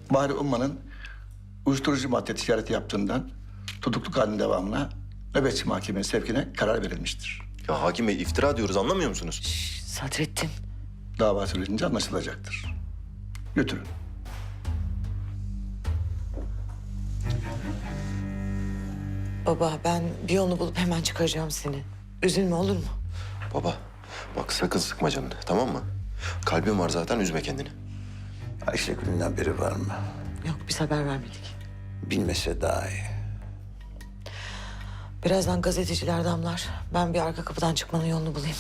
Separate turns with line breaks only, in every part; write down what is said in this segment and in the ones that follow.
Bahri Umman'ın uyuşturucu madde ticareti yaptığından tutukluk halinin devamına nöbetçi mahkemeye sevkine karar verilmiştir.
Ya hakim bey iftira diyoruz anlamıyor musunuz?
Sadrettin.
Dava sürecince anlaşılacaktır. Götürün.
Baba ben bir yolunu bulup hemen çıkaracağım seni. Üzülme olur mu?
Baba bak sakın sıkma canını tamam mı? Kalbin var zaten üzme kendini.
Ayşegül'ün haberi var mı?
Yok biz haber vermedik.
Bilmese daha iyi.
Birazdan gazeteciler damlar. Ben bir arka kapıdan çıkmanın yolunu bulayım.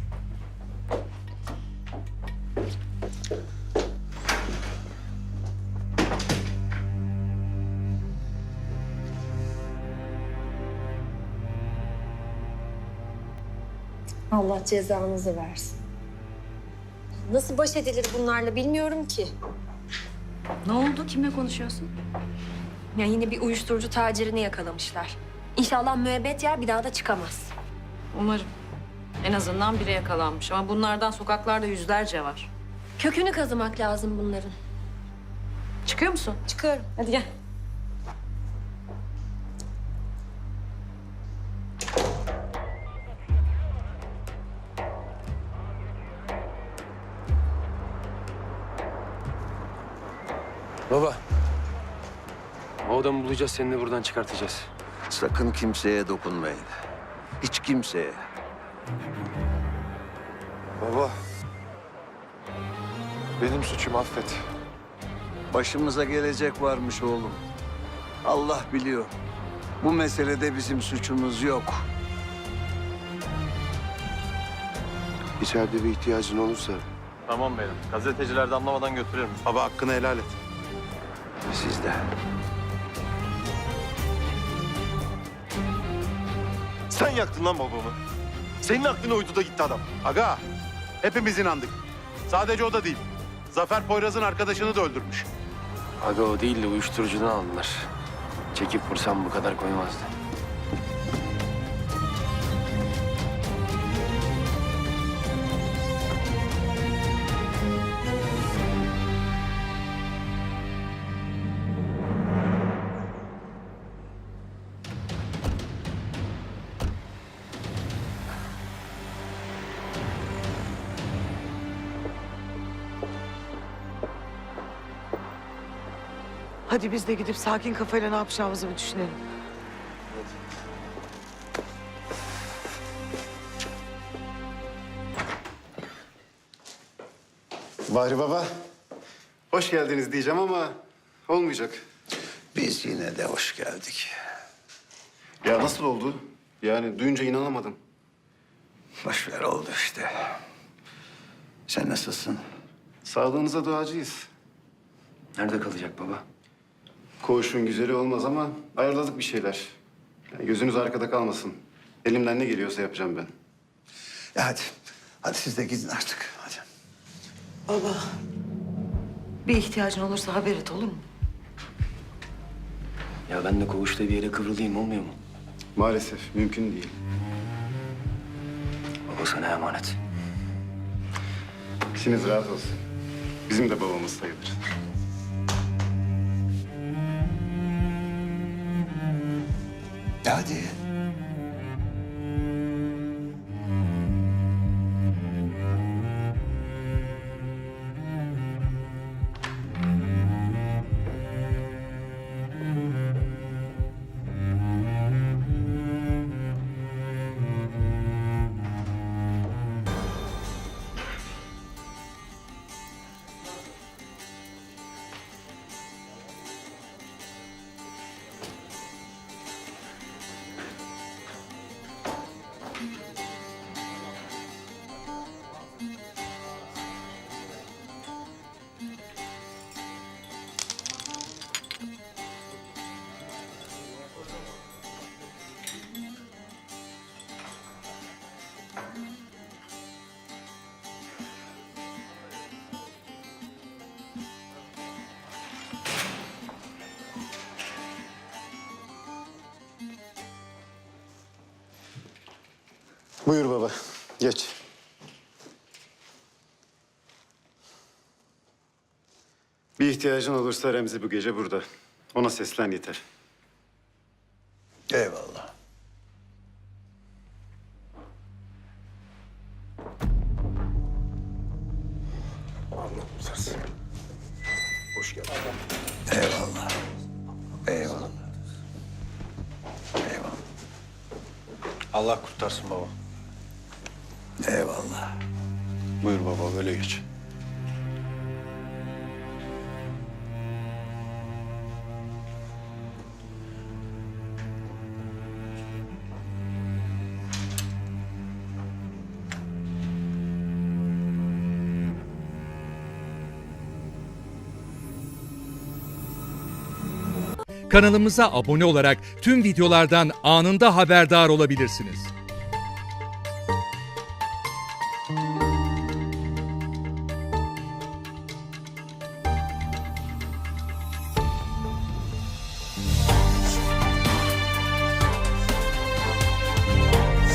Allah cezanızı versin. Nasıl baş edilir bunlarla bilmiyorum ki.
Ne oldu? Kimle konuşuyorsun?
Ya yine bir uyuşturucu tacirini yakalamışlar. İnşallah müebbet yer bir daha da çıkamaz.
Umarım. En azından biri yakalanmış ama bunlardan sokaklarda yüzlerce var.
Kökünü kazımak lazım bunların.
Çıkıyor musun?
Çıkıyorum.
Hadi gel.
Baba. O adamı bulacağız, seni de buradan çıkartacağız.
Sakın kimseye dokunmayın. Hiç kimseye.
Baba. Benim suçum affet.
Başımıza gelecek varmış oğlum. Allah biliyor. Bu meselede bizim suçumuz yok.
İçeride bir ihtiyacın olursa
Tamam benim. Gazeteciler de anlamadan götürürüm.
baba hakkını helal et.
Siz de.
Sen yaktın lan babamı. Senin aklına uydu da gitti adam.
Aga, hepimiz inandık. Sadece o da değil. Zafer Poyraz'ın arkadaşını da öldürmüş.
Aga o değil de uyuşturucudan aldılar. Çekip vursam bu kadar koymazdı.
Hadi biz de gidip sakin kafayla ne yapacağımızı bir düşünelim.
Bahri Baba, hoş geldiniz diyeceğim ama olmayacak.
Biz yine de hoş geldik.
Ya nasıl oldu? Yani duyunca inanamadım.
Boş ver oldu işte. Sen nasılsın?
Sağlığınıza duacıyız.
Nerede kalacak baba?
Koğuşun güzeli olmaz ama ayarladık bir şeyler. Yani gözünüz arkada kalmasın. Elimden ne geliyorsa yapacağım ben.
Ya hadi. Hadi siz de gidin artık. Hadi.
Baba. Bir ihtiyacın olursa haber et olur mu?
Ya ben de koğuşta bir yere kıvrılayım olmuyor mu?
Maalesef mümkün değil.
Baba sana emanet.
İçiniz rahat olsun. Bizim de babamız sayılır.
Hadi.
Buyur baba, geç. Bir ihtiyacın olursa Remzi bu gece burada. Ona seslen yeter.
Eyvallah.
Hoş geldin.
Eyvallah. Eyvallah. Eyvallah.
Allah kurtarsın baba.
Eyvallah.
Buyur baba, böyle geç.
Kanalımıza abone olarak tüm videolardan anında haberdar olabilirsiniz.